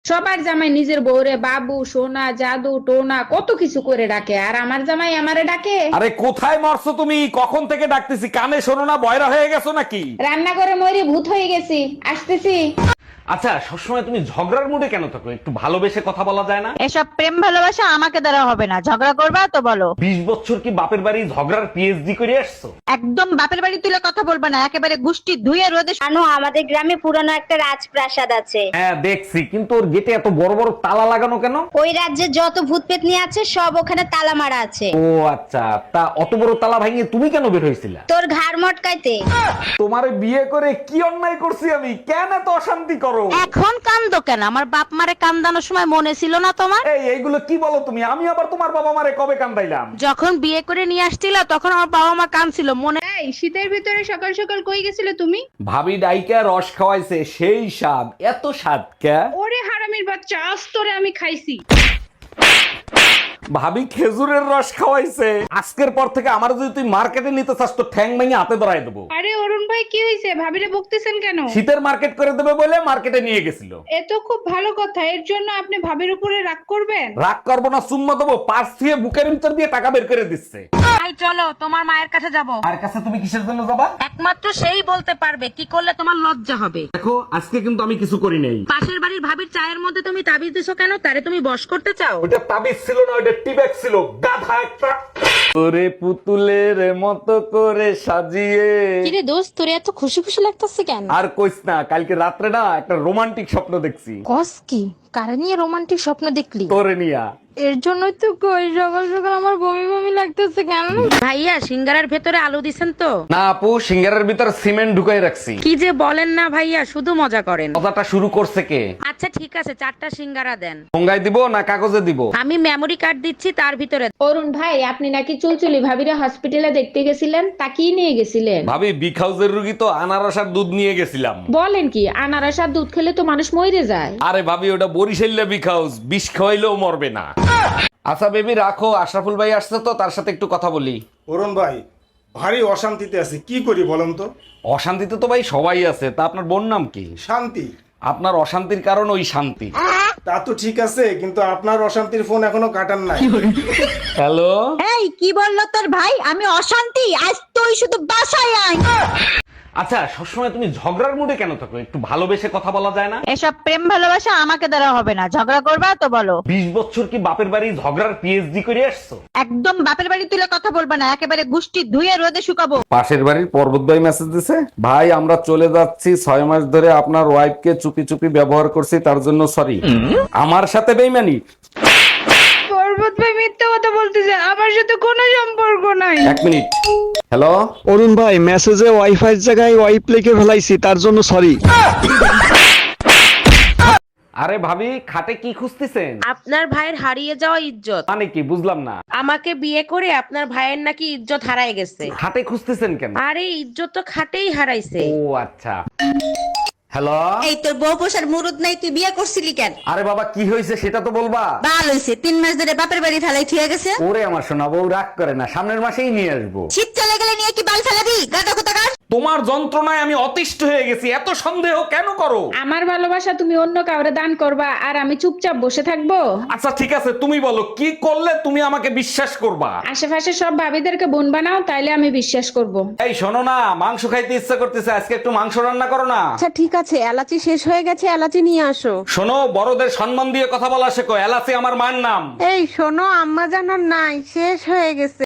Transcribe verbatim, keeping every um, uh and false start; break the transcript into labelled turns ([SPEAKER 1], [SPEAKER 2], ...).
[SPEAKER 1] সবার জামাই নিজের বউরে বাবু সোনা জাদু টোনা কত কিছু করে ডাকে, আর আমার জামাই আমারে ডাকে।
[SPEAKER 2] আরে কোথায় মরছো তুমি? কখন থেকে ডাকতেছি, কানে শোনো না? বয়রা হয়ে গেছো নাকি?
[SPEAKER 1] রান্না করে মরি ভূত হয়ে গেছি, আসতেছি।
[SPEAKER 2] আচ্ছা, সবসময় তুমি ঝগড়ার মুডে কেন থাকো? একটু ভালোবেসে কথা বলা যায় না?
[SPEAKER 3] এসব প্রেম ভালোবাসা আমাকে দ্বারা হবে না। ঝগড়া করবা তো বলো।
[SPEAKER 2] বিশ বছর কি বাপের বাড়ি ঝগড়ার পিএইচডি করে আসছো?
[SPEAKER 3] একদম বাপের বাড়ি তুলে কথা বলবা না, একেবারে গুষ্টি ধুয়ে রোদে।
[SPEAKER 4] জানো আমাদের গ্রামে পুরানো একটা রাজপ্রাসাদ আছে।
[SPEAKER 2] হ্যাঁ দেখছি, কিন্তু ওর গেটে এত বড় বড় তালা লাগানো কেন?
[SPEAKER 4] ওই রাজ্যে যত ভূত পেতনি আছে সব ওখানে তালা মারা আছে।
[SPEAKER 2] ও আচ্ছা, তা অত বড় তালা ভাঙিয়ে তুমি কেন বের হয়েছিলা?
[SPEAKER 4] তোর ঘাড় মটকাইতে।
[SPEAKER 2] তোমারে বিয়ে করে কি অন্যায় করছি আমি? কেন এত অশান্তি করো?
[SPEAKER 3] এখন কান্দো কেন? আমার বাপ মারে কান্দানোর সময় মনে ছিল না তোমার?
[SPEAKER 2] এই এইগুলো কি বলো তুমি? আমি আবার তোমার বাবা মারে কবে কান্দাইলাম?
[SPEAKER 3] যখন বিয়ে করে নিয়ে আসছিল তখন আমার বাবা মা কাঁদছিল মনে।
[SPEAKER 1] এই শীতের ভিতরে সকাল সকাল কই গেছিলে তুমি?
[SPEAKER 2] ভাবি ডাইকা রস খাওয়াইছে, সেই স্বাদ। এত স্বাদ কে?
[SPEAKER 1] ওরে হারামির বাচ্চা, আজ তোরে আমি খাইছি।
[SPEAKER 2] ভাবি খেজুরের রস খাওয়াইছে। আজকের পর থেকে আমার যদি তুই মার্কেটে নিতে চাস তো ঠ্যাং ভেঙে হাতে ধরাই দেবো।
[SPEAKER 1] আরে অরুণ ভাই কি হয়েছে? ভাবিরে বকতেছেন কেন?
[SPEAKER 2] শীতের মার্কেট করে দেবে বলে মার্কেটে নিয়ে গেছিল।
[SPEAKER 1] এ তো খুব ভালো কথা, এর জন্য আপনি ভাবির উপরে রাগ করবেন?
[SPEAKER 2] রাগ করবো না, চুম্মা দেবো। পার্স দিয়ে বুকের ভিতর দিয়ে টাকা বের করে দিচ্ছে।
[SPEAKER 3] ভাই চলো তোমার মায়ের কাছে যাব।
[SPEAKER 2] আর কাছে তুমি কিসের জন্য যাবা?
[SPEAKER 3] একমাত্র সেই বলতে পারবে কি করলে তোমার লজ্জা হবে।
[SPEAKER 2] দেখো, আজকে কিন্তু আমি কিছু করি নাই।
[SPEAKER 3] পাশের বাড়ির ভাবির চায়ের মধ্যে তুমি তাবিজ দিছো কেন? তারে তুমি বশ করতে চাও?
[SPEAKER 2] ওটা তাবিজ ছিল না, ওটা টিব্যাগ ছিল। গাধা একটা। ওরে পুতুলের মতো করে সাজিয়ে।
[SPEAKER 5] কিরে দোস্ত, তোরে এত খুশি খুশি লাগতেছে কেন?
[SPEAKER 2] আর কইস না, কালকে রাত্রে না একটা রোমান্টিক স্বপ্ন দেখছি।
[SPEAKER 5] কস কি? কারে নিয়ে রোমান্টিক স্বপ্ন দেখলি?
[SPEAKER 2] তোরে নিয়া।
[SPEAKER 5] এর জন্যই তো কই সকাল সকাল আমার বমি বমি লাগতেছে কেন?
[SPEAKER 3] ভাইয়া সিঙ্গারার ভেতরে আলু দিছেন তো?
[SPEAKER 2] না আপু, সিঙ্গারের ভিতর সিমেন্ট ঢুকাই রাখছি।
[SPEAKER 3] কি যে বলেন না ভাইয়া, শুধু মজা করেন।
[SPEAKER 2] কথাটা শুরু করছে কে?
[SPEAKER 3] আচ্ছা ঠিক আছে, চারটা সিঙ্গারা দেন।
[SPEAKER 2] ঠোঙ্গায় দিব না কাগজে দিব?
[SPEAKER 3] আমি মেমরি কার্ড দিচ্ছি, তার ভিতরে।
[SPEAKER 1] অরুণ ভাই, আপনি নাকি চুলচুলি ভাবিরে হসপিটালে দেখতে গেছিলেন, তা কি নিয়ে গেছিলেন?
[SPEAKER 2] ভাবি বিগ হাউসের রুগী তো, আনারস আর দুধ নিয়ে গেছিলাম।
[SPEAKER 1] বলেন কি? আনারস আর দুধ খেলে তো মানুষ মরে যায়।
[SPEAKER 2] আরে ভাবি, ওটা বরিশাল্লা বিগ হাউস, বিষ খাওয়াইলেও মরবে না। আচ্ছা বেবি রাখো, আশরাফুল ভাই আসছে তো, তার সাথে একটু কথা বলি।
[SPEAKER 6] অরুণ ভাই, ভারী অশান্তিতে আছি, কি করি বলেন তো?
[SPEAKER 2] অশান্তিতে তো ভাই সবাই আছে, তা আপনার বোন নাম কি?
[SPEAKER 6] শান্তি।
[SPEAKER 2] আপনার অশান্তির কারণ ওই শান্তি।
[SPEAKER 6] তা তো ঠিক আছে, কিন্তু আপনার অশান্তির ফোন এখনো কাটান নাই।
[SPEAKER 2] হ্যালো।
[SPEAKER 3] এই কি বললো তোর ভাই? আমি অশান্তি? আজ তুই শুধু বাসায় আয়।
[SPEAKER 2] আচ্ছা, সবসময় তুমি ঝগড়ার মুডে কেন থাকো? একটু ভালোবেসে কথা বলা যায় না?
[SPEAKER 3] এসব প্রেম ভালোবাসা আমাকে দ্বারা হবে না। ঝগড়া করবা তো বলো।
[SPEAKER 2] বিশ বছর কি বাপের বাড়ি ঝগড়ার পিএইচডি করে আসছো?
[SPEAKER 3] একদম বাপের বাড়ি তুলে কথা বলবা না, একেবারে গুষ্টি ধুয়ে রোদে শুকাবো।
[SPEAKER 2] পাশের বাড়ির পর্বত ভাই মেসেজ দিছে, ভাই আমরা চলে যাচ্ছি, ছয় মাস ধরে আপনার ওয়াইফকে চুপি চুপি ব্যবহার করছি, তার জন্য সরি। আমার সাথে বেইমানি?
[SPEAKER 1] পর্বত ভাই মিথ্যা কথা বলতেছে, আমার সাথে কোনো সম্পর্ক নাই।
[SPEAKER 2] এক মিনিট। হ্যালো।
[SPEAKER 7] অরুণ ভাই, মেসেজে ওয়াইফাই এর জায়গায় ওয়াইপ লিখে ফেলাইছি, তার জন্য সরি।
[SPEAKER 2] আরে ভাবি, খাটে কি খুঁজতেছেন?
[SPEAKER 3] আপনার ভাইয়ের হারিয়ে যাওয়া ইজ্জত।
[SPEAKER 2] মানে কি বুঝলাম না।
[SPEAKER 3] আমাকে বিয়ে করে আপনার ভাইয়ের নাকি ইজ্জত হারায় গেছে।
[SPEAKER 2] খাটে খুঁজতেছেন কেন?
[SPEAKER 3] আরে ইজ্জত তো খাটেই হারাইছে।
[SPEAKER 2] ও আচ্ছা। হ্যালো।
[SPEAKER 8] এই তোর বউ পোষার মুরুদ নাই, তুই বিয়ে করছিলি কেন?
[SPEAKER 2] আরে বাবা, কি হয়েছে সেটা তো বলবা।
[SPEAKER 8] বাল হইছে, তিন মাস ধরে বাপের বাড়ি ফেলাই থুয়ে গেছে।
[SPEAKER 2] ওরে আমার সোনা বউ, রাগ করে না, সামনের মাসেই নিয়ে আসবো।
[SPEAKER 8] শীত চলে গেলে নিয়ে কি বাল ফেলাবি? গাদা কোথাকার।
[SPEAKER 2] তোমার যন্ত্রণায় আমি অতিষ্ঠ হয়ে গেছি, এত সন্দেহ কেন করো?
[SPEAKER 1] আমার ভালোবাসা তুমি অন্য কাউরে দান করবা আর আমি চুপচাপ বসে থাকবো?
[SPEAKER 2] আচ্ছা ঠিক আছে, তুমি বলো কি করলে তুমি আমাকে বিশ্বাস করবা?
[SPEAKER 1] আশেপাশে সব ভাবিদেরকে বোন বানাও, তাইলে আমি বিশ্বাস করব।
[SPEAKER 2] এই শোনো না, মাংস খাইতে ইচ্ছা করতেছে, আজকে একটু মাংস রান্না করো না।
[SPEAKER 5] আচ্ছা ঠিক আছে, এলাচি শেষ হয়ে গেছে, এলাচি নিয়ে আসো।
[SPEAKER 2] শোনো, বড়দের সম্মান দিয়ে কথা বলা শেখো, এলাচি আমার মায়ের নাম।
[SPEAKER 5] এই শোনো, আম্মা জানার নাই, শেষ হয়ে গেছে।